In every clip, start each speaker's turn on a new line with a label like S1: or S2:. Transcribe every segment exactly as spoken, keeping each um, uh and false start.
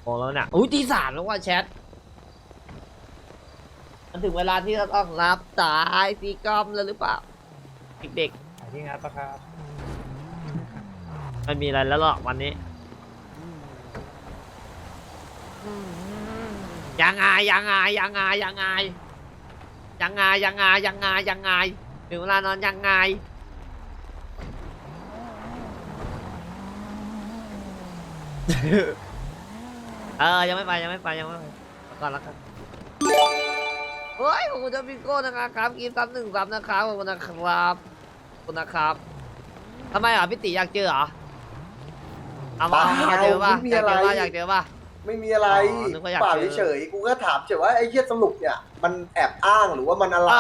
S1: โอ้แล้วเนี่ยอุ้ยตีสามแล้วว่าแชทมันถึงเวลาที่เราต้องรับสายตีกอมแล้วหรือเปล่าเด็กๆที่งัดปะครับไม่มีอะไรแล้วหรอกวันนี้ยังไงยังไงยังไงยังไงยังไงยังไงยังไงยังไงถึงเวลานอนยังไงเออยังไม่ไปยังไม่ไปยังไม่ไปก่อนแล้วกันเฮ้ยขอบคุณเจ้าพิโก้นะครับกินซ้ำหนึ่งซ้ำนะครับขอบคุณนะครับขอบคุณนะครับทำไมอ่ะพี่ติอยากเจอเหรอเอามาอยากเจอป่ะอยากเจอป่ะอยากเจอป่ะ
S2: ไม่มีอะไรเปล่าเฉยๆกูก็ถามเฉยว่าไอ้เหี้ยสรุปเนี่ยมันแอบอ้างหรือว่ามันอะไร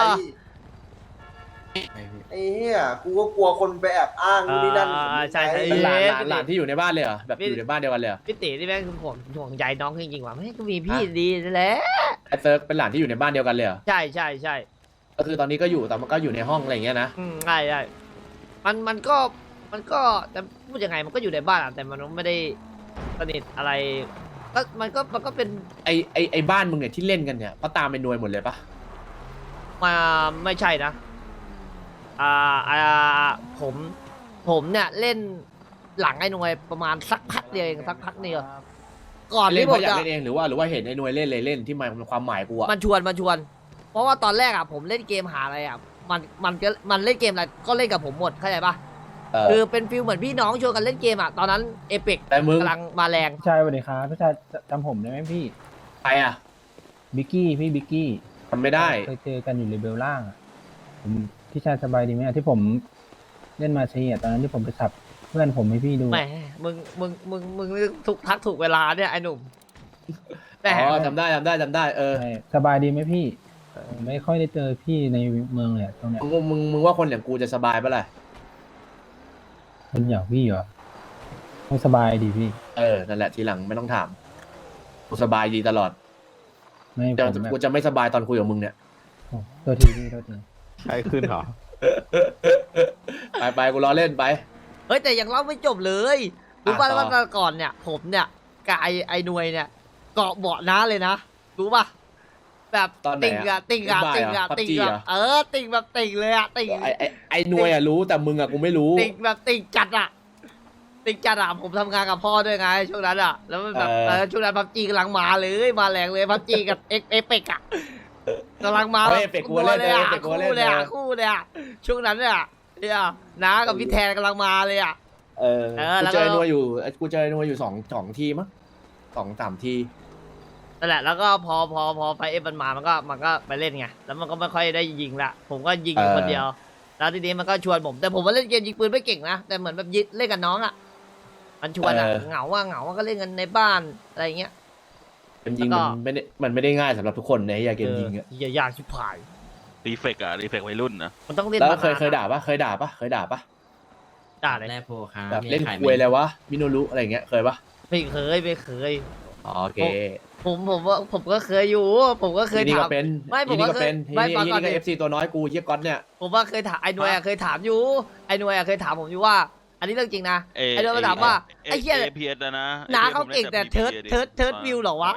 S2: ไอ้เหี้ยกูก็กลัวคนไปแอบอ้างนู่นนี่นั่น
S1: ใช่ใช่
S3: เป็นหลานหลานหลานที่อยู่ในบ้านเลยเหรอแบบอยู่ในบ้านเดียวกันเลยเหรอ
S1: พี่ติที่แม่งคือผมห่วงใยน้องจริงๆว่ะไม่ก็มีพี่ดีแหละ
S3: ไอ้เซิร์กเป็นหลานที่อยู่ในบ้านเดียวกันเลยเหรอ
S1: ใช่ใช่ใช่
S3: ก็คือตอนนี้ก็อยู่แต่มันก็อยู่ในห้องอะไรอย่างเงี้ยนะ
S1: อืมใช่ใช่มันมันก็มันก็จะพูดยังไงมันก็อยู่ในบ้านอะแต่มันไม่ได้สนิทอะไรก็มันก็มันก็เป็น
S3: ไอไอไอบ้านมึงเนี่ยที่เล่นกันเนี่ยเขาตามไปนวยหมดเลยปะ
S1: มาไม่ใช่นะอ่าอ่าผมผมเนี่ยเล่นหลังไอ้หน่วยประมาณสักพักเดียวเองสักพักเดียวก่อน
S3: เล่น
S1: ที่
S3: เพ
S1: ผม
S3: ราะอยาก
S1: จะ
S3: เล่นเองหรือว่าหรือว่าเห็นไอ้นวยเล่นเลยเล่นที่หมายความหมายกูอะ
S1: มันชวนมันชวน เพราะว่าตอนแรกอ่ะผมเล่นเกมหาอะไรอ่ะมันมันก็มันเล่นเกมอะไรก็เล่นกับผมหมดเข้าใจปะ
S3: เออ
S1: คือเป็นฟิลเหมือนพี่น้องชวนกันเล่นเกมอ่ะตอนนั้นเอเปก
S3: แต่มึง
S1: กำลังมาแรง
S4: พี่ชายสวัสดีครับพี่ชายจำผมได้ไหมพี่
S3: ใครอะ
S4: บิกกี้พี่บิกกี้
S3: ทำไม่ได้
S4: เคยเจอกันอยู่เลเวลล่างอะผมพี่ชายสบายดีไหมอะที่ผมเล่นมาเชียตอนนั้นที่ผมไปสับเพื่อนผมให้พี่ดู
S1: แหมมึงมึงมึงมึงถูกทักถูกเวลาเนี่ยไอ้หนุ่มแต่
S3: อ๋อจำได้จำได้จำได้เออ
S4: ใช่สบายดีไหมพี่ผมไม่ค่อยได้เจอพี่ในเมืองเลยอะตรงเนี้ย
S3: มึงมึงมึงว่าคนอย่างกูจะสบายปะล่ะ
S4: เป็นอย่างพี่เหรอไม่สบายดีพี่
S3: เออนั่นแหละทีหลังไม่ต้องถามกูสบายดีตลอด
S4: ไม่ผ
S3: แต่
S4: มแบบ
S3: กูจะไม่สบายตอนคุยกับมึงเนี่ย
S4: โอ้ตัวทีพี่ตัวที
S5: ใครขึ้นเหรอ
S3: ไปไปกูรอเล่นไป
S1: เฮ้ยแต่ยังเล่าไม่จบเลยรู้ป่ะ
S3: อ่ะต่อ
S1: ว่าตอนก่อนเนี่ย ผมเนี่ยกับไอไอหน่วยเนี่ยเกาะเบาะน้าเลยนะรู้ป่ะแบบ
S3: ตอนไหน
S1: ติ่งอะติ่งอะ
S3: บ๊ายบาย
S1: ติ่งอะ
S3: เหรอ
S1: ติ่ง
S3: พับจี
S1: แบบ
S3: เหรอ
S1: เออติ่งแบบติ่งเลยอะติ่ง
S3: ไอไอไอหนวยอะรู้แต่มึงอะกูไม่รู้
S1: ติ่งแบบติ่งจัดอะติ่งจัดอะผมทำงานกับพ่อด้วยไงช่วงนั้นอะแล้วมันแบบ
S3: เออ
S1: เออช่วงนั้นพับจีกำลังมาเลยมาแรงเลยพับจีกับเอ็กเอเปกอะกำลังมา
S3: เฮ้ยเอเปกกูเล่น
S1: เลยอะ
S3: เอเปกกู
S1: คู่
S3: เล่น
S1: เลยอะ
S3: เออ
S1: คู่เลยอะช่วงนั้นเนี่ยเนี่ยน้ากับพี่แทนกำลังมาเลยอะ
S3: เออ
S1: เออ
S3: กู
S1: แล้วก็
S3: เจอไอ้หนวยอยู่กูเจอไอ้หนวยอยู่สองสองทีมั้งสองสามที
S1: นั่นแหละแล้วก็พอพอพอไฟเอฟมันมามันก็มันก็ไปเล่นไงแล้วมันก็ไม่ค่อยได้ยิงละผมก็ยิงอยู่คนเดียว แล้วทีนี้มันก็ชวนผมแต่ผมว่าเล่นเกมยิงปืนไม่เก่งนะแต่เหมือนแบบยิงเล่นกับน้องอ่ะมันชวนอ่ะเหงาว่าเหงาว่าก็เล่นกันในบ้านอะไรเงี้ย
S3: เกมยิง
S1: แล้วก็
S3: มันไม่ได้มันไม่ได้ง่ายสำหรับทุกคนในเกมยิงอะ
S1: เอออย่ายากชิบหาย
S5: รีเฟกอะรีเฟกวัยรุ่นนะ
S1: มันต้องเล่น
S3: แล้ว
S1: มานาน
S3: เคยเคยด่าปะเคยด่าปะเคยด่าปะ
S1: ด่าเลย
S6: แร่โพครับ
S3: แบบ
S6: มี
S3: เล่น
S6: ขายไหม
S3: ควยอะไรวะมิโนรุอะไรเงี้ยเคยปะ
S1: ไม่เคยไม่เคย
S3: อ๋อโอเค
S1: ผมผมว่าผมก็เคยอยู่ ผมก็เคย
S3: ทีนี่
S1: ถา
S3: ก็
S1: ม
S3: เป็น
S1: ไม่ผม
S3: ทีนี่
S1: ว่า
S3: ก็เป็น
S1: เค
S3: ที
S1: ยไม่
S3: นี่
S1: ฟัง
S3: ที
S1: ก่อน
S3: นี่ก็
S1: ดิ
S3: เอฟซีตัวน้อยกูเฮียก๊อตเนี่ย
S1: ผมว่าเคยถามไอ้หน่วยอะเคยถามอยู่ไอ้หน่วยอะเคยถามผมอยู่ว่า อันนี้เรื่องจริงนะ
S5: เอ
S1: ไอ้หน่วยมาถามว่าไอ้เหี้ย
S5: เอพีเอสนะ
S1: น้าเขาเก่งแต่เทิร์ดเทิร์ดเทิร์ดวิวเหรอวะ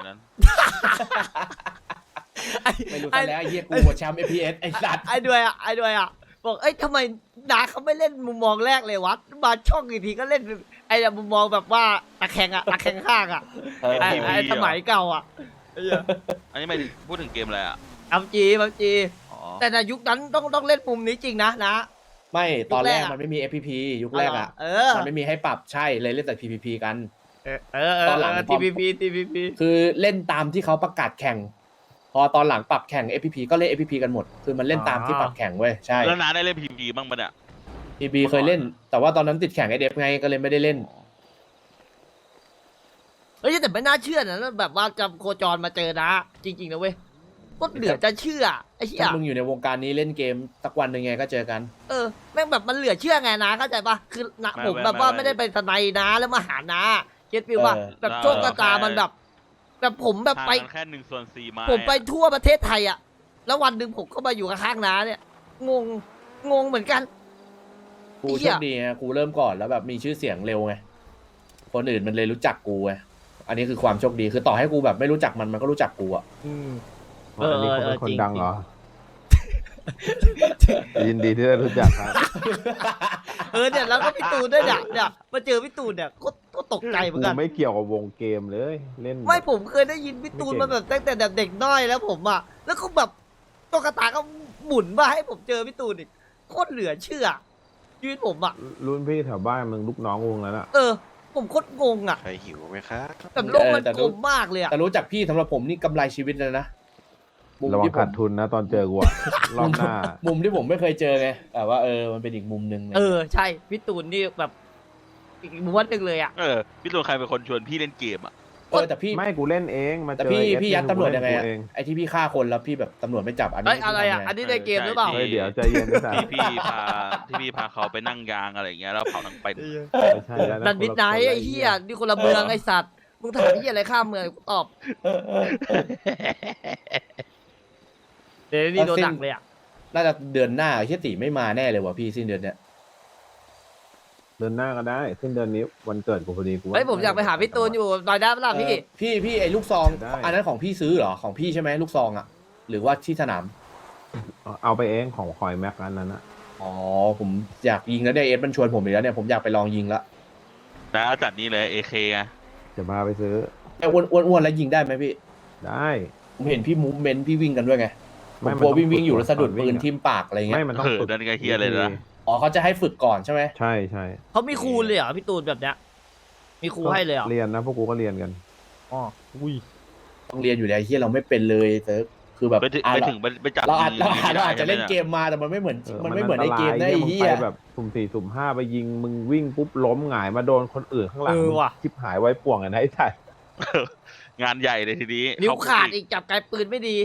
S3: ไม่รู้ซะแล้วไอ้เฮียกูหัวแชมป์เอพีเอสไอ้สัตว์
S1: ไอ้ด้วยอ่ะไอ้ด้วยอ่ะบอกเอ้ยทำไมนาเขาไม่เล่นมุมมองแรกเลยวะมาช่องอีกทีก็เล่นไอ้มุมมองแบบว่าตะแคงอ่ะตะแคงข้างอ่ะ
S3: เออ
S1: ไอ้ไอ้สมัยเก่าอ่ะ
S5: อันนี้ไม่พูดถึงเกมอะไรอ่ะ
S1: อัมจีอัมจี
S5: อ๋อ
S1: แต่ในยุคนั้นต้องต้องเล่นมุมนี้จริงนะนะ
S3: ไม่ตอนแรก
S1: ยุคแรกอะ
S3: มันไม่มี เอฟ พี พี ยุคแรกอ่ะ
S1: เออ
S3: มันไม่มีให้ปรับใช่เลยเล่นแต่ พี พี พี กัน
S1: เออเออเอ
S3: ตอนหลัง
S1: อทีพีพีทีพีพี
S3: คือเล่นตามที่เขาประกาศแข่ง พอตอนหลังปรับแข่ง เอฟ พี พี ก็เล่น เอฟ พี พี กันหมด คือมันเล่นตามที่ปรับแข่งเว้ยใช่
S5: แล้วน้าได้เล่นพีพีบ้างปะเนี่ย
S3: พี พี เคยเล่น แต่ว่าตอนนั้นติดแข่งไอเดฟไงก็เลยไม่ได้เล่น
S1: เฮ้ยแต่ไม่น่าเชื่อนะแบบว่าจำโคจรมาเจอนะ จริงๆนะเว้ยก็เหลือจะเชื่อไอ้เหี้ย
S3: ถ้ามึงอยู่ในวงการนี้เล่นเกมสักวันหนึ่งไงก็เจอกัน
S1: เออแม่งแบบมันเหลือเชื่อไงนะเข้าใจปะคือนะผมแบบว่าไม่ได้เป็นทนายนะแล้วมาหานะเก็ตฟิลว่า
S3: เออ
S1: แบบโชคชะตามันแบบ แบบผมแบบไป
S5: ห่างกันแค่หนึ่งส่วนสี่ไม้
S1: ผมไปทั่วประเทศไทยอะแล้ววันหนึ่งผมก็มาอยู่ข้างๆน้าเนี่ยงงงงเหมือนกัน
S3: กู
S1: ไอ้เหี้
S3: โช
S1: ย
S3: คดีไงกูเริ่มก่อนแล้วแบบมีชื่อเสียงเร็วไง คนอื่นมันเลยรู้จักกูไงอันนี้คือความโชคดีคือต่อให้กูแบบไม่รู้จักมันมันก็รู้จักกูอ่ะ
S1: อืม
S6: อ๋ออันนี้เขาเป็นคน
S1: เออเออจริง
S6: ดังเหรอ ยินดีที่ได้รู้จักครับ
S1: เออเนี่ยแล้วก็พี่ตูนด้วยเนี่ยเนี่ยมาเจอพี่ตูนเนี่ยก็ก็ตกใจเหมือน
S6: กู
S1: กัน
S6: ไม่เกี่ยวกับวงเกมเลย เล่น
S1: ไม่ผมเคยได้ยินพี่ตูนมาแบบตั้งแต่เด็กน้อยแล้วผมอ่ะแล้วก็แบบตัวกระตายก็หมุนมาให้ผมเจอพี่ตูนอีกโคตรเหลือเชื่อชีวิตผมอ่ะ
S6: รุ่นพี่แถวบ้านมึงลูกน้องวงแล้วน่ะ
S1: เออ ผมโคตรงงอ่ะ
S7: ใครหิวไหมครับ
S1: แต่โลกมันกลมมากเลยอ่ะ
S3: แต่รู้จักพี่สำหรับผมนี่กำไรชีวิตเลยนะมุม
S6: ระวัง
S3: ที่ผม
S6: ขาดทุนนะตอนเจอกูอะรอบหน้า
S3: มุมที่ผมไม่เคยเจอไงแต่ว่าเออมันเป็นอีกมุมหนึ่งไง
S1: เออใช่พี่ตูนนี่แบบอีกม้วนหนึ่งเลยอ่ะ
S5: เออพี่ตูนใครเป็นคนชวนพี่เล่นเกมอ่ะ
S3: เออแต่พี่
S6: ไม่กูเล่นเองมา
S3: แต่
S6: เจอ
S3: พี่
S6: ไอ้
S3: พี่
S6: เอส
S3: ยัดตำรวจยังไง
S6: กู
S3: อะ
S6: เอง
S3: ไอที่พี่ฆ่าคนแล้วพี่แบบตำรวจไม่จับอันนี้
S1: เอ้ยอะไรอ่ะ
S3: พี่ทำง
S1: อันนี้ในเกมหรือเปล่า
S5: ใช่
S6: เฮ้ยเดี๋ยวใจเย็นนะ
S5: ที่พี่พาที่พี่พาเขาไปนั่งยางอะไรอย่างเงี้ยแล้วเผาทั้งเป็น
S6: ไม่ใช่แล้วะ
S1: นันมิดไนท์ไอ้เหี้ยนี่คนละเมืองไอ้สัตว์มึงถามไอ้เหี้ยอะไรข้ามเมืองกูตอบเดี๋ยวนี่โดนหนักเลยอ่ะ
S3: น่าจะเดือนหน้าเฮียตีไม่มาแน่เลยว่ะพี่สิ้นเดือนเนี้ย
S6: เดินหน้าก็ได้สิ้นเดือนนี้วันเกิดกูพอดีกูว่า
S1: เฮ้ยผมอยากไปหาพี่ตูนอยู่หน่อยได้ปะล่ะพี่
S3: เออพี่พี่ไอ้ลูกซอง
S6: ได้
S3: อันนั้นของพี่ซื้อเหรอของพี่ใช่ไหมลูกซองอ่ะหรือว่าที่สนาม
S6: เอาไปเองของคอยแม็กอันนั้นนะ
S3: อ๋อผมอยากยิงแล้วเนี่ยเอสมันชวนผมอีกแล้วเนี่ยผมอยากไปลองยิงละ
S5: นะจัดนี่เลยเอเคไง
S6: จะพาไปซื้อ
S3: ไอ้อ้วนอ้วนอ้วนแล้วยิงได้ไหมพี่
S6: ได้
S3: ผมเห็นพี่มูฟเมนต์พี่วิ่งกันด้วยไงผม
S6: ไม่
S3: กลัว
S6: มันต้อง
S3: วิ่งวิ่งอยู่แล้วสะดุด
S6: ฝึกก่อน
S3: ปืน
S6: วิ่งอะ
S3: ทิ่มปากอะไรเงี้
S6: ไม่
S3: ย
S6: มันต้อง
S5: เออ
S6: ฝึก
S5: นั่นก็เฮียเลยนะ
S3: อ๋อเขาจะให้ฝึกก่อนใช่ไหม
S6: ใช่ใช่
S1: เขามีครูเลยเหรอพี่ตูนแบบเนี้ยมีครูให้เลยเหรอ
S6: เรียนนะพวกกูก็เรียนกัน
S1: อ๋ออุ้ย
S3: ต้องเรียนอยู่แล้วเฮียเราไม่เป็นเลยเซิร์ฟคือแบบ
S5: ไปถึง
S3: อ่ะ
S5: ไปถึงไปไปจับ
S3: เราอาจ
S5: มื
S3: เราอาจเราอาจจะ
S5: ได้
S3: เล่น
S5: ใช่ไห
S3: เกมมาแต่มันไม่เหมือน
S6: เออ
S3: มันไม่เหมือนในเกมนะ
S6: อั
S3: ไอ้
S6: ตราย
S3: เฮี
S6: นี่
S3: ย
S6: มึงไปแบบสุ่มสี่สุ่มห้าไปยิงมึงวิ่งปุ๊บล้มหงายมาโดนคนอื่นข้างหลัง
S1: เออว่ะ
S6: ชิบหายไว้ป่วงกันนะไอ้ถ่าย
S5: งานใหญ่เลยทีนี้
S1: นิ้ว
S5: เข
S1: ขาดอีกจับไกลปืนไม่ดี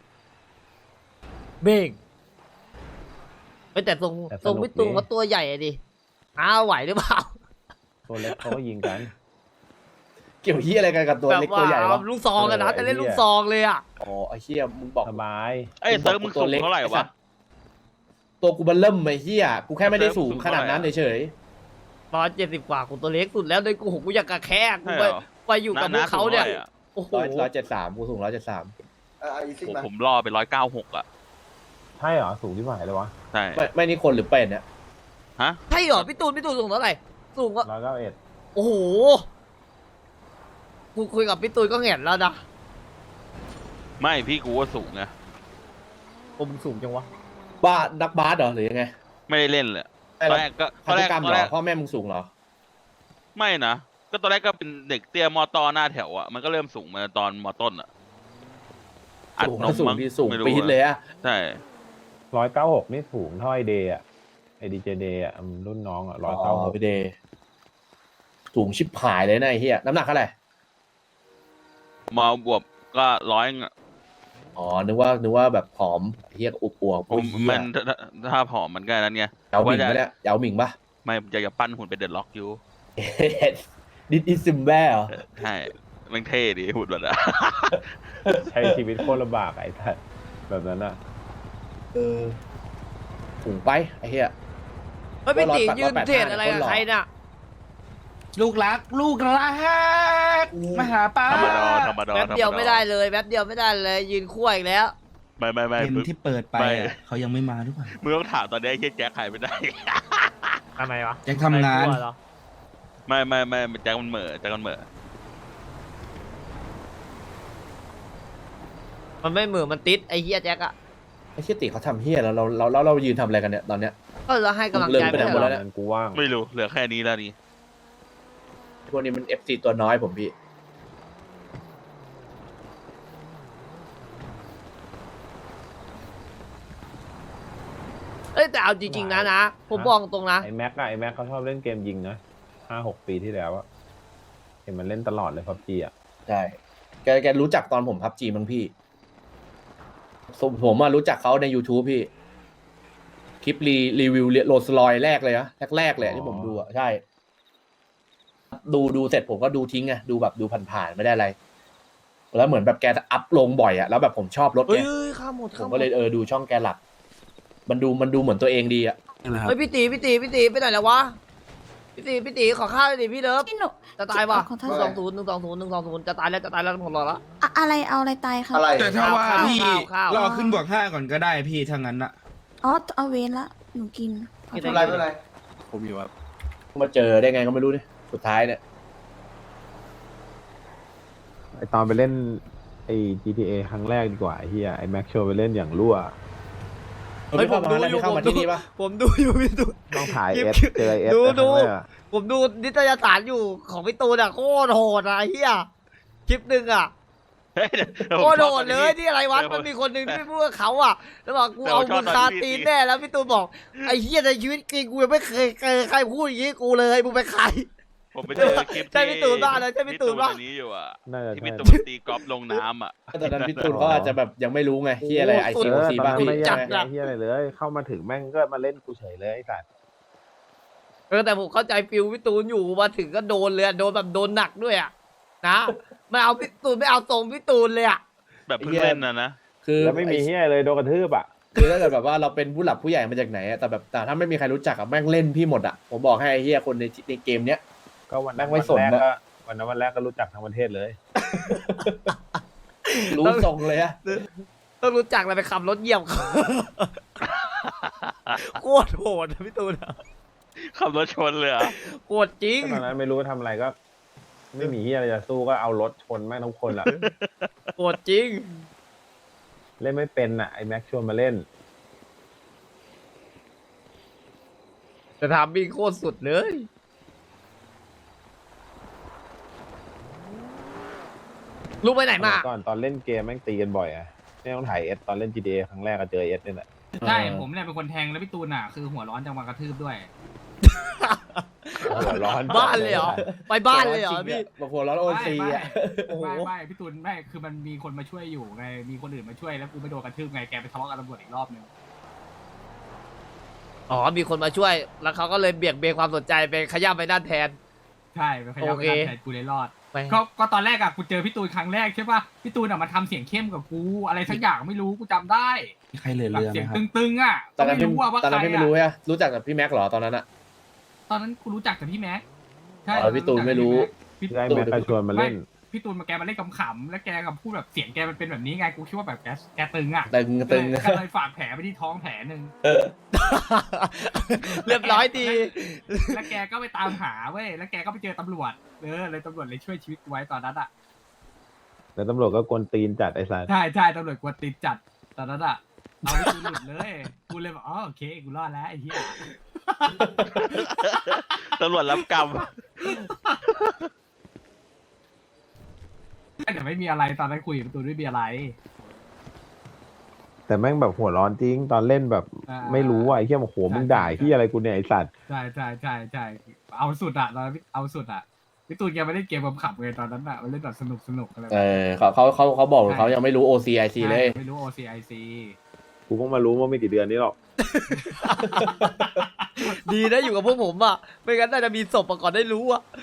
S1: เบ่งเฮ้ยแต่ทรงทรงพี่ตูนเขาตัวใหญ่อะดิอ้าวไหวหรือเปล่า
S6: ตัวเล็กเขาก็ยิงกัน
S3: เกี่ยวเฮียอะไรกันกับตัว
S1: แบบ
S3: เล็ก
S1: ว่า
S3: ตัวใหญ่วะ
S1: เอาลูกซองกันนะ
S6: เออ
S1: แต่เล่น
S6: ไอ้เหี้
S1: ลู
S6: ย
S1: กซองเลยอ่ะ
S3: อ๋อไอ้เฮียมึงบอก
S6: สบาย
S5: เอ้ยเซิร์ฟมึงสูงเท่าไหร่วะ
S3: ตัวกูบันเริ่มไอ้เฮียกูแค่ไม่ได้สูง
S5: สูง
S3: ขนาดนั้น
S5: เท่าไหร่อะ
S3: เฉย
S1: ตอนเจ็ดสิบกว่ากูตัวเล็กสุดแล้วเลยกูโหกูอยากกระแคกกู
S5: ใช่
S1: ไป
S5: เหรอ
S1: ไปอยู่กับพวกเขาเนี่ย
S5: สูงท่ไหร่อะ
S1: โอ้โห
S3: ร้อยร้อยเจ็ดสามกูสูงร้อยเจ็ดสาม
S2: เออเอาอีซิ่ง
S5: ผม
S2: มา
S5: ผมล่อไปร้อยเก้าหกอ่ะ
S6: ใช่เหรอสูงที่ฝ่ายเลยวะ
S5: ใช่
S3: ไม่ไม่นี่คนหรือเป็นเนี่ย
S5: ฮะ
S1: ใช่เหรอพี่ตูนพี่ตูนสูงเท่าไหร่สูงก็
S6: ร้อยเก้าเอ็ด
S1: โอ้โหกูคุยกับพี่ตูนก็แง่นแล้วนะ
S5: ไม่พี่กูว่าสูงไง
S1: ผมสูงจังวะ
S3: บ้านักบาสเหรอหรือยังไง
S5: ไม่ได้เล่นเลยต
S3: ไม่
S5: อน
S3: หรอ
S5: แรกก็ต
S3: พั
S5: อน
S3: น
S5: แร
S3: ธุ
S5: ก
S3: กรรม
S5: ตอน
S3: เหร
S5: แร
S3: อก พ่อแม่มึงสูงเหรอ
S5: ไม่นะก็ตอนแรกก็เป็นเด็กเตี้ยมอตอหน้าแถวอ่ะมันก็เริ่มสูงมาตอนมอต้นอ่ะอัด
S3: สูง
S5: นม
S3: สูง
S5: มั้ง
S3: ที่สูง
S5: ไม่รู้
S3: ปี๊ดเลยอะ
S5: ใช่
S6: ร้อยเก้าหกนี่สูงเท่าไอเดย์อะไอดีเจเดย์อะมันรุ่นน้องอะร้อย
S3: อ๋
S6: เก้าห
S3: อก พี่เดย์สูงชิบหายเลยนะไอ้เฮียน้ำหนักเท่าไหร่
S5: มาบวบก็ร้อย
S3: อ๋อนึกว่านึกว่าแบบผอมเฮียอุบอวบ
S5: ผ
S3: โอ้
S5: ม
S3: ยเฮีย
S5: มันถ้าถ้าผอมมันก็นั้นไง
S3: เยาหมิง
S5: ว่า
S3: ปะ
S5: จะ
S3: เนี่ยเยาหมิงปะ
S5: ไม่อยากจะปั้นหุ่นเป็นเดดล็อกอยู่
S3: ดิดอิซึมแบ้เหรอ
S5: ใช่แมันเท่ดีหุ่นแบบนั้น
S6: ใช้ชีวิตโคตรลำบากไอ้ท่านแบบนั้นอะ
S3: เออสูงไปไอ้เฮีย
S1: เฮ้ยพี่ตี
S3: ร้อยแปด
S1: ยืนเทรดอะไรกับ
S3: ร้อยแปดห้า
S1: ใครน่ะ
S8: ลูกรัก ลูกรักมาหาป้า
S5: ธรรมดาธรรมดา
S1: แป๊บเดียวไม่ได้เลยแป๊บเดียวไม่ได้เลยยืนคั่วอีกแล้ว
S5: ไม่ไม่ไม่
S8: เกม
S5: มึง
S8: ที่เปิดไป
S5: ไม่
S8: อะเขายังไม่มาหรือเปล่า
S5: มึงต้องถามตอนนี้ไอ้เฮียแจ็คหายไปไหน
S1: ทำไมวะ
S8: แจ็คทำงาน
S1: ไม่คั่วเหรอ
S5: ไม่ไม่ไม่แจ็คมันเหม่อแจ็คมันเหม่อ
S1: มันไม่เหมือนมันติดไอ้เฮียแจ็คอะ
S3: ไอ้เฮียติเขาทำเฮียแล้วเราเราเราเรายืนทำอะไรกันเนี่ยตอนเนี้ย
S1: ก็เราให้กำลังใจ
S3: เลิก
S1: ไป
S3: ไปไหน
S1: แล้ว
S3: หมด
S1: เหร
S3: แล้
S1: อ
S3: ว
S6: นั้นกูว่าง
S5: ไม่รู้เหลือแค่นี้แล้วนี่
S3: พวกนี้มันเอฟซีตัวน้อยผมพี่
S1: เอ้ยแต่เอาจริงๆนะนะผมบอกตรงนะ
S6: ไอแม็กอะไอแม็กเขาชอบเล่นเกมยิงนะห้าหกปีที่แล้วอะเห็นมันเล่นตลอดเลยพับจีอะ
S3: ใช่แกแกรู้จักตอนผมพับจีมั้งพี่ผมผมมารู้จักเขาใน YouTube พี่ คลิปรีรีวิวโรลส์รอยแรกเลยนะแรกๆเลยอะที่ผมดูอ่ะใช่ ดูดูเสร็จผมก็ดูทิ้งไงดูแบบดูผ่านๆไม่ได้อะไร แล้วเหมือนแบบแกอัพลงบ่อยอ่ะแล้วแบบผมชอบรถ
S1: เฮ้
S3: ไง
S1: ยข้ามหมด
S3: ผ
S1: ข้าม
S3: ม
S1: หม
S3: ก็
S1: ด
S3: เลยเออดูช่องแกหลัก มันดูมันดูเหมือนตัวเองดีอ่ะ
S8: นี่แหละครับ
S1: เฮ้ยพี่ตีพี่ตีพี่ตีไปไหนแล้ววะพี่ตีพี่ตีขอข้าวเลยดิพี่เลิฟ
S7: พี่หนู
S1: จะตายว่ะ
S7: ขอโท
S1: หนึ่
S7: ษ
S1: งสองศูนย์หนึ่งสองศูนย์หนึ่งสองศูนย์จะตายแล้วจะตายแล้วผมรอละ
S7: อะอะไรเอาอะไรตายครับ
S2: อะไร
S8: แต่ถ้าว่า
S1: ข้าว
S8: พี่
S1: ข้าวข้าว
S8: รอขึ้นบวกห้าก่อนก็ได้พี่ถ้างั้นอะ
S7: อ๋อเอาเวนละหนูกินขอ
S1: กิน
S7: โท
S1: อะ
S7: ษ
S2: อะไรไม่เป็นไร
S5: ผมอยู่ครับ
S3: มาเจอได้ไงก็ไม่รู้เนี่ยสุดท้ายเนี่ย
S6: ไอตอนไปเล่นไอ จี ที เอ ครั้งแรกดีกว่าไอ้เฮียไอแม็กโชว์ไปเล่นอย่างรั่ว
S1: เฮ้ยผมดู
S3: แล้ว
S1: อยู่
S3: เข้า
S1: ผม
S3: มา
S1: ดู
S3: ที่นี่ปะ
S1: ผมดูอยู่พี่ตูน
S6: ต้องถ่าย
S1: คลิ
S6: เอ
S1: ป
S6: สเจอเอส
S1: ดู
S6: ครั้ง
S1: ดู
S6: แรกอะ
S1: ผมดูนิตยสารอยู่ของพี่ตูนอะโคตรโหดอะไอ้เหี้ยคลิปหนึ่งอะ
S5: เฮ้ยเดี๋ยว
S1: โค
S5: ผม
S1: ตร
S5: ชอบ
S1: โห
S5: ต
S1: ด
S5: อน
S1: เล
S5: นี้
S1: ยที่อะไรวะ
S5: เดี๋ยว
S1: มันมีคนหนึ่งที่พูดกับเขาอะแล้วบอกกู
S5: เดี๋ยว
S1: เอา
S5: ผมชอ
S1: มึ
S5: บ
S1: ง
S5: ตอน
S1: คา
S5: ที่
S1: ตีน
S5: พี่
S1: แน่แล้วพี่ตูนบอกไอ้เหี้ยในชีวิตจริงกูยังไม่เคยเจอใครพูดอย่างงี้กูเลยมึงเป็นใคร
S5: ผมไปเจอคลิป
S1: ใช่พี่ตูนบ้านะใช่พี่ตูนบ้า
S5: อันนี้อยู่อ่ะ
S6: น่าจะ
S5: ที่
S6: ใช่
S5: พี่ตูนตีกอล์ฟลงน้ำอ่ะ
S3: ตอนนั้นพี่ตูนเขาอาจจะแบบยังไม่รู้ไงที่อะไรไอ
S6: เอ
S3: ซี
S6: อ
S3: โอ
S6: ต
S3: ซี
S6: อน
S3: บ้าง
S6: นั้น
S3: พี่
S6: ไม่
S3: ใช่
S6: แย่
S3: ไหม
S6: ไอ้เฮียอะไรเลย เข้ามาถึงแม่งก็มาเล่นกูเฉยเลยไอ้สัตว์
S1: เออแต่ผมเข้าใจฟิลพี่ตูนอยู่มาถึงก็โดนเลยอะโดนแบบโดนหนักด้วยอะนะไม่เอาพี่ตูนไม่เอาทรงพี่ตูนเลยอะ
S5: แบบเพิ่งเล่นนะนะ
S3: คือ
S6: แล้วไม่มีเฮียเลยโดนกระทืบอ่ะ
S3: คือถ้าเกิดแบบว่าเราเป็นผู้หลักผู้ใหญ่มาจากไหนอะแต่แบบแต่ถ้าไม่มีใครรู้จักอะแม่งเล่นพี่หมดอะผมบอกให้ไอ้เฮียคนในในเกมเนี้ย
S6: ก็วันนั้น
S3: แม่งไม่
S6: วัน
S3: สน
S6: แรก
S3: นะ
S6: ก็วันนั้นวันแรกก็รู้จักทั้งประเทศเลย
S3: รู้ทรงเลยอะ
S1: ต้องรู้จักเลยไปขับรถเหยียบเขา โคตรโหดอะพี่ตูนอะ
S5: ขับรถชนเลยเหรอ่ะ
S1: โหดจริง
S6: ก็ตอนนั้นไม่รู้ทำอะไรก็ ไม่มีเฮียอะไรจะสู้ก็เอารถชนแม่งทุกคนอ่ะ
S1: โหดจริง
S6: เล่นไม่เป็นอ่ะไอแม็กชวนมาเล่น
S1: จะทำบิงโคตรสุดเลย ลูกไปไหนมา
S6: ก่อนตอนเล่นเกมแม่งตีกันบ่อยอ่ะไม่ต้องถ่ายเอสตอนเล่น จี ที เอ ครั้งแรกก็เจอเอสนี่แหละ
S8: ใช่ผมเนี่ยเป็นคนแทงแล้วพี่ตูนอ่ะคือหัวร้อนจังหวะกระทืบด้วย
S6: หัวร้อน
S1: บ้านเลยเหรอ ไปบ้านเลยเหรอพี่
S3: บางคนร้อนโอซี
S8: ไม่
S3: อะ
S1: โอ้โห
S8: ไม่ไม่พี่ตูนไม่คือมันมีคนมาช่วยอยู่ไงมีคนอื่นมาช่วยแล้วกูไม่โดนกระทืบไงแกไปทะเลาะกับตำรวจอีกรอบนึง
S1: อ๋อ มีคนมาช่วย แล้วเขาก็เลยเบี่ยงเบนความสนใจไปขย้ำไปด้านแทน
S8: ใช่ไปขยับ
S1: โอ
S8: ไป
S1: เค
S8: ทำแทนกูเลยรอด
S1: ไป
S8: ก็ก็ตอนแรกอะกูเจอพี่ตูนครั้งแรกใช่ป่ะพี่ตูนอะมาทำเสียงเข้มกับกูอะไรสักอย่างไม่รู้กูจำได้
S9: ใครเหลือ
S8: แบบ
S9: เรือไห
S8: เสี
S9: ม
S8: ยง
S9: ครับ
S8: ตึงๆอะ
S3: ตอนนั้น
S8: ไม่
S3: พี่
S8: รู้ว่าว่า
S3: ตอน
S8: ใค
S3: นั้น
S8: ร
S3: พี่ไม่รู้
S8: อะ
S3: ฮะรู้จักกับพี่แม็กเหรอตอนนั้นอะ
S8: ตอนนั้นกูรู้จักแต่พี่แม็กใช่
S3: อ๋อพี่ตูนไม่รู้
S8: พี่
S6: ได้แม็กก็ชวนมาเล่น
S8: พี่ตูนมาแกมาเล่นขำๆแล้วแกกับพูดแบบเสียงแกมันเป็นแบบนี้ไงกูคิดว่าแบบแกแกตึงอะ
S3: ตึงตึง
S8: ก็เลยฝากแผลไปที่ท้องแผลหนึ่ง
S1: เรียบร้อยดี
S8: แล้วแกก็ไปตามหาเว้ย แล้วแกก็ไปเจอตำรวจ เออ เลยตำรวจเลยช่วยชีวิตกูไว้ตอนนั้นอ่ะ
S6: แล้วตำรวจก็กวนตีนจัดไอ้สัตว์
S8: ใช่ใช่ตำรวจกวนตีนจัดตอนนั้นอ่ะ เอาให้กูหลุดเลย กูเลยบอกอ๋อโอเค กูรอดแล้วไอ้เหี้ย
S5: ตำรวจรับกรรม
S8: แต่ไม่มีอะไรตอนนั้นคุยกับประตูไม่มีอะไร
S6: แต่แม่งแบบหัวร้อนจริงตอนเล่นแบบ
S8: อ่า
S6: ไม่รู้อ่ะไอ้เหี้ยโอ้โหมึงด่าที่อะไรกูเนี่ยไอ้สัตว์
S8: ใช่ใช่ใช่ใช่เอาสุดอ่ะตอนนั้นเอาสุดอ่ะพี่ตูนแกไม่ได้เกมขำๆเลยตอนนั้นอ่ะมันเล่นแบบสนุกสนุกอะไรแบบ
S3: เออเขาเขาเขาเขาบอกเขายังไม่รู้ โอ ซี ไอ ซี เลย
S8: ไม่รู้ โอ ซี ไอ ซี
S6: กูเพิ่งมารู้ว่าไม่กี่เดือนนี้หรอก
S1: ดีนะอยู่กับพวกผมอ่ะ ไม่งั้นน่าจะมีศพมาก่อนได้รู้อ่ะ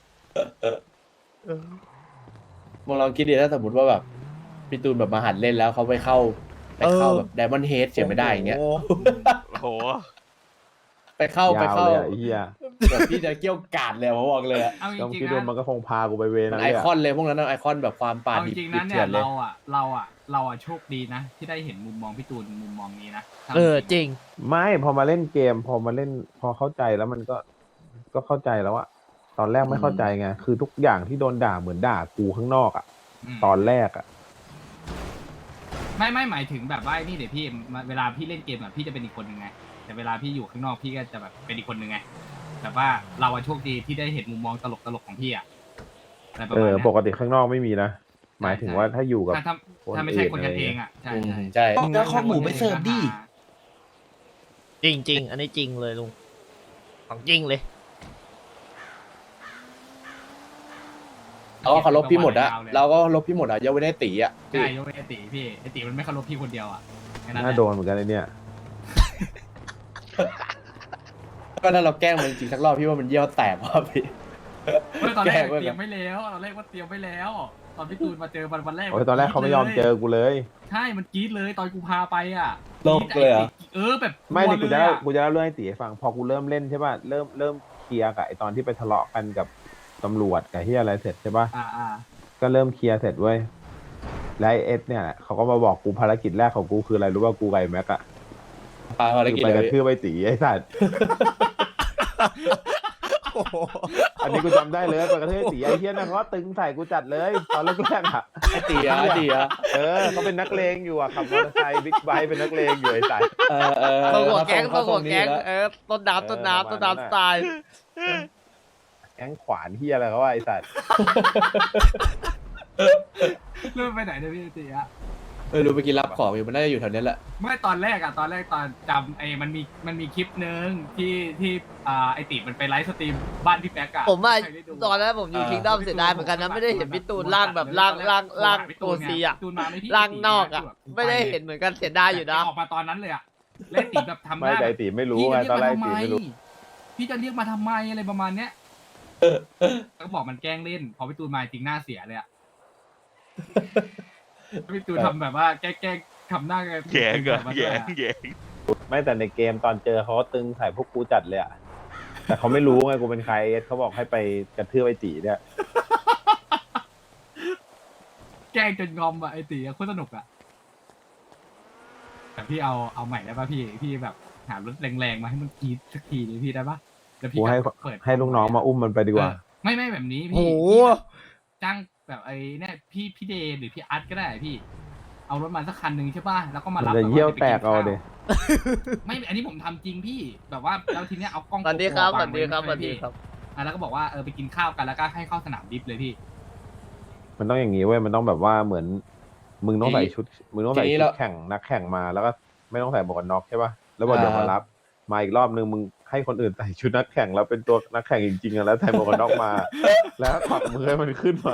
S3: มองลองคิดดีถ้าสมมติว่าแบบพี่ตูนแบบมาหัดเล่นแล้วเขาไปเข้าไปเข้า
S1: เออ
S3: แบบไดมอนด์เฮดเสียไม่ได้อย่างเงี้ย
S1: โอ้โห
S5: โอ้โห
S3: ไปเข้าไป
S6: ยาว
S3: เข้า
S6: เลยอะไอ้เหี้ย
S3: แบบพี่จะเกี้ยวกาดเลยผมบอกเลยอะ
S8: เอาจ
S6: ต้อง
S8: ริง
S6: คิด
S8: ๆ
S6: ดู
S8: นะ
S6: มันก็คงพากูไปเว
S3: มั
S6: นั้น น
S3: ไอ
S6: เลยอะ
S3: คอนเลยพวกนั้นนะไอคอนแบบความป่า
S8: เอาจ
S3: ดิบ
S8: ริงๆ
S3: ดิ
S8: นะ
S3: บ
S8: เนี่
S3: เถื่อย นเลย
S8: เราอ่ะเราอ่ะเราอ่ะโชคดีนะ ที่ได้เห็นมุมมองพี่ตูนมุมมองนี้นะ
S1: เออจริง
S6: ไม่พอมาเล่นเกม พอมาเล่นพอเข้าใจแล้วมันก็ก็เข้าใจแล้วอะตอนแรกไม่เข้าใจไงคือทุกอย่างที่โดนด่าเหมือนด่ากูข้างนอกอะ
S8: อืม
S6: ตอนแรกอะ
S8: ไม่ไม่หมายถึงแบบว่าไอ้นี่เดี๋ยวพี่เวลาพี่เล่นเกมอ่ะพี่จะเป็นอีกคนหนึ่งไงแต่เวลาพี่อยู่ข้างนอกพี่ก็จะแบบเป็นอีกคนหนึ่งไงแบบว่าเราอะโชคดีที่ได้เห็นมุมมองตลกตลกๆของพี่อ่ะอะไรประ
S6: เอ
S8: มาณ
S6: อ
S8: เนี้ย
S6: ปกติข้างนอกไม่มีนะหมายถึงว่าถ้าอยู่กับ
S8: ถ้าถ้า
S6: คน
S8: ถ้าไม่ใช่
S6: อื่น
S8: คนกัน
S6: อะไร
S8: เอ
S6: เงี้
S8: ง
S6: ย
S8: อ่ะใช่
S3: อืม
S8: ใช่
S3: ใช่
S9: แล้วข้อหมูไปเสิร์ฟดิ
S1: จริงจริง อันนี้จริงเลยลุง ของจริงเลย
S3: เราก็เคารพพี่หมดอะเราก็เคารพพี่หมดอะยกเว้นไอ้ตีอะ
S8: ใช่ยกเว้นไอติพี่ไอติมันไม่เคารพพี่คนเดียวอ่ะแค่นั้นแห
S6: น่า
S8: ละ
S6: โดนเหมือนกันไอเนี่ย
S3: ก็ถ้าเราแกล้งมันจริงๆสักรอบพี่ว่ามันเยี่ยวแตกว่ะพี่
S8: เมื่อตอนแรก
S3: แกล้งไว้
S8: เตรียมไม่แล้วตอนแรกว่าเตรียมไม่แล้ว ตอนพี่ตูนมาเจอวันวันแรก
S6: โอ้ยตอนแรกเขาไม่ยอมเจอกูเลย
S8: ใช่มันกรี๊ดเลยตอนกูพาไปอ่ะ
S3: โลกเลยเหรอ
S8: เออแบบ
S6: ไม่
S8: กลั
S6: นี่
S8: ว
S6: กู
S8: เล
S6: จะ
S8: ย
S6: เล่า
S8: อะ
S6: กูจะเล่าเรื่องให้ตีให้ฟัง พอกูเริ่มเล่นใช่ป่ะ เริ่มเริ่มลียร์กับไอตอนที่ไปทะเลาะกันกับตำรวจกับที่อะไรเสร็จใช่ปะ
S8: อ่าอ่า
S6: ก็เริ่มเคลียร์เสร็จเว้ยแล้วไอ้เอสเนี่ยเขาก็มาบอกกูภารกิจแรกของกูคืออะไรรู้ป่ะกูไก่แม็กอะ
S3: ปาภาร
S6: คือ
S3: กิจ
S6: ไป
S3: เล
S6: กระ
S3: ย
S6: ทืบไปตีไอ้สัตว์
S2: โอ้โห
S6: อันนี้กูจำได้เลยไปกระทืบตีไอ้เฮียนั่นเขาก็ตึงใส่กูจัดเลยตอนแรกๆอะ
S3: ไอตีอะไอตีอะ
S6: เออเขาเป็นนักเลงอยู่อะขับมอเตอร์ไซค์บิ๊กไบค์เป็นนักเลงอยู่ไอ้สัตว์
S3: เออเออ
S1: ตัวหัวแก๊ง
S3: เขา
S1: ตัว
S3: ส่
S1: หัวแก๊ง
S3: เขาส่
S1: เออต้นน้ำต้นน้ำต้นน้ำสไตล์
S6: แก๊งขวานเฮียอะไรเขาว่าไอ้สัตว์
S8: เริ่มไปไหนเนี่ยพี่ตีอะ
S3: เออรู้ไปกินรับของอยู่มันน่าจะอยู่แถวนี้แหละ
S8: ไม่ตอนแรกอะตอนแรกตอนจำไอ้มันมีมันมีคลิปนึงที่ที่อ่าไอติมันไปไลฟ์สตรีมบ้านพี่แป๊กอะ
S1: ผมว่า
S8: ใครได้ดู
S1: ตอนนั้นผมอยู่คิงดอมเสียดายเหมือนกันนะไม่ได้เห็นพี่ตูนล่างแบบล่างล่างล่างตัวซีอะ
S8: ตูนมาไหมพี่
S1: ล่างนอกอะไม่ได้เห็นเหมือนกันเสียดายอยู่นะ
S8: ออกมาตอนนั้นเลยอะเล่นติแบบทำห
S6: ไม่
S8: น้า
S6: ใจ
S8: แบบ
S6: ตีไม่รู้
S8: พี่
S6: ไง
S8: จะ
S6: ตอนแร
S8: เรี
S6: ก
S8: ยกมา
S6: ตี
S8: ทำไม
S6: ไม่รู้
S8: พี่จะเรียกมาทำไมอะไรประมาณเนี้ยก็บอกมันแกล้งเล่น พอพี่ตูนมาจริงหน้าเสียเลยอะพี่ตูนทำแบบว่าแกล้งทำหน้า
S5: แย่งอะแย่งแย่ง
S6: ไม่แต่ในเกมตอนเจอเขาก็ตึงใส่พวกกูจัดเลยอะแต่เขาไม่รู้ไงกูเป็นใครเอสเขาบอกให้ไปกระทืบไอ้ตีเนี่ย
S8: แกล้งจนงอมอะไอตีอะโคตรสนุกอะแต่พี่เอาเอาใหม่ได้ป่ะพี่พี่แบบหารถแรงๆมาให้มันกรีดสักทีดิพี่ได้ป่ะแล้วพี่
S6: กูให้
S8: เปิด
S6: ให้ลูกน้องมาอุ้มมันไปดีกว่า
S8: ไม่ไม่แบบนี้
S1: โอ้
S8: พี่
S1: โห
S8: พี่แบบจ้างแบบไอ้เนี่ยพี่พี่เดย์หรือพี่อาร์ตก็ได้พี่ เอารถมาสักคันหนึ่งใช่ป่ะแล้วก็มารับ
S6: จะ
S8: แบบ
S6: เยี่ยว
S8: ไป
S6: แต
S8: น
S6: กเอา
S8: ข้ว
S6: ดิ
S8: ไม่อันนี้ผมทำจริงพี่แบบว่าแล้วทีเนี้ยเอากล้อง
S1: สวัสดีครับส
S8: โกโป
S1: วัสดีครับส
S8: วาง
S1: วัส
S8: ไ
S1: ดีครับ
S8: อ่ะแล้วก็บอกว่าเออไปกินข้าวกันแล้วก็ให้เข้าสนามดิฟเลยพี่
S6: มันต้องอย่างนี้เว้ย มันต้องแบบว่าเหมือน มึงต้องใส่ชุด มึงต้องใส่
S3: ทีนี้
S6: ชุ
S3: เรา
S6: ดแข่งนักแข่งมาแล้วก็ไม่ต้องใส่หมวกกันน็อกใช่ป่ะ แล้วบอกเดี๋ยวมารับ มาอีกรอบนึงมึงให้คนอื่นใส่ชุดนักแข่งแล้วเป็นตัวนักแข่งจริงๆอะแล้วใส่หมวกกันน็อกมา แล้วขวักมือให้มันขึ้นมา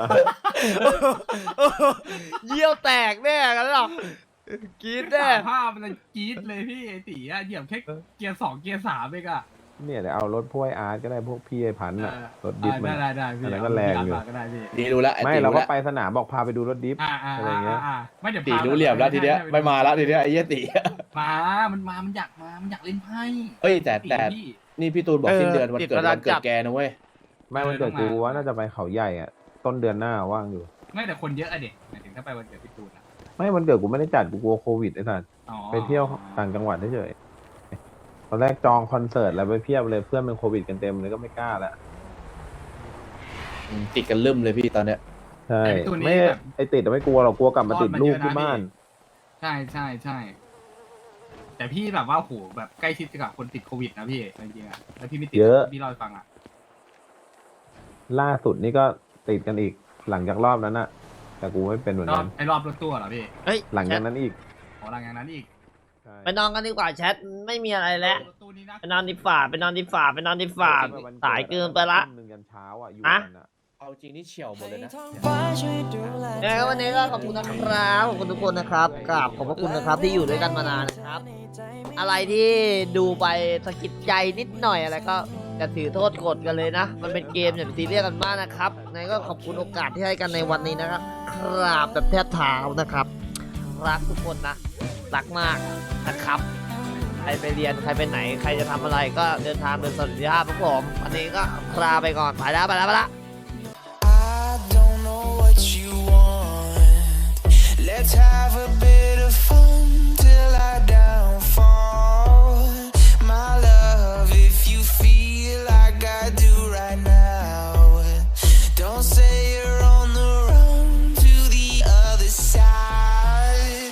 S1: เยี่ยวแตกแน่กันหรอกกรีดแน่
S8: สามภาพมันกรี๊ดเลยพี่ไอตีอะเหยียบแค่เกียร์สองเกียร์สามเองอะ
S6: เนี่ยเดี๋ยวเอารถพวกไอ้อาร์ตก็ได้พวกพี่ไอ้พันธุ์อะ
S8: เออ
S6: รถดิฟมัน
S8: ได้ได้ได้พี่
S6: อันนั้นก็แรงอยู่
S8: เาพี่าร์ตมาก็ได้พี่
S3: ดีรู้ละไอ
S6: ไม่
S3: ตี
S6: เรา
S3: รู้
S6: ก็
S3: ละ
S6: ไปสนามบอกพาไปดูรถดิฟ
S8: อ่าอ่า
S6: อะไรเงี้ย
S8: อ่าไม่เดี๋ยว
S3: ตี
S8: พา
S3: รู้เหลี่ยมแล้วทีเนี้ยไม่มาแล้วทีเนี้ยไอ้เหี้ยตี
S8: มา มันมา มันอยากมา มันอยากเล่นไพ่
S3: เอ้ยแต่แต่
S8: พี่
S3: นี่พี่ตูนบอกสิ้นเดือนวันเกิดวันเกิดแกนะเว้ย
S6: ไม่มันเกิดกูว่าน่าจะไปเขาใหญ่อะต้นเดือนหน้าว่างอยู่
S8: ไม่แต่คนเยอะอะเด็กหมายถึงถ้าไปวันเกิดพี่ตูนอะ
S6: ไม่มันเกิดกูไม่ได้จัดกูกลัวโควิดไอ้สัส
S8: อ๋อ
S6: ไปเที่ยวต่างจังหวัดเฉยๆตอนแรกจองคอนเสิร์ตแล้วไปเพียบเลยเพื่อนเป็นโควิดกันเต็มเลยก็ไม่กล้าแล้ว
S3: อืมติดกันลืมเลยพี่ตอนเนี้ย
S6: ใช่
S8: ไอ้พี่ตูน
S6: ไม่
S8: นี่แบบ
S6: ไอติดอะไม่กลัวหรอกกลัวกลับมาติดลูกที่บ้าน
S8: ใช่ใช่ใช่ แต่พี่แบบว่าโหแบบใกล้ชิดกับคนติดโควิดนะพี่จริงๆอะแล้วพี่ไม่ติด
S6: เยอะ
S8: พี่เล่าให้ฟังอะ
S6: ล่าสุดนี่ก็ติดกันอีกหลังจากรอบนั้นอะแต่กูไม่เป็นเหมือน
S8: รอ
S6: กับ น
S8: ไอ้รอบรถตู้เหรอพี่
S1: เฮ้ย
S6: หลัง
S1: แช
S6: จาก
S1: ท
S6: นั้นอีก
S8: อ๋อหลังจากนั้นอีก
S6: ใช่
S1: ไปนอนกันดีกว่าแชทไม่มีอะไรแล้ว
S8: รถตู้นี่นะ
S1: ไปนอนดีฝ่าไปนอนดีฝ่าไปนอนดีฝ่าสายเกินไปละ
S6: ทุ่มหนึ่งยันเช้าอะอยู่
S1: อะ
S6: กันอะ
S3: เอาจริงนี่เฉียวหมดเลยนะ
S1: ยังไงก็วันนี้ก็ขอบคุณนะครับขอบคุณทุกคนนะครับกราบขอบพระคุณนะครับที่อยู่ด้วยกันมานานนะครับ อะไรที่ดูไปสะกิดใจนิดหน่อยอะไรก็จะถือโทษกดกันเลยนะ มันเป็นเกมอย่าไปซีเรียสกันมากนะครับยังไงก็ขอบคุณโอกาสที่ให้กันในวันนี้นะครับกราบแบบแทบเท้านะครับ รักทุกคนนะรักมากนะครับ ใครไปเรียนใครไปไหนใครจะทำอะไรก็เดินทางโดยสวัสดิภาพครับผมวันนี้ก็ลาไปก่อนไปแล้วไปแล้วไปแล้ว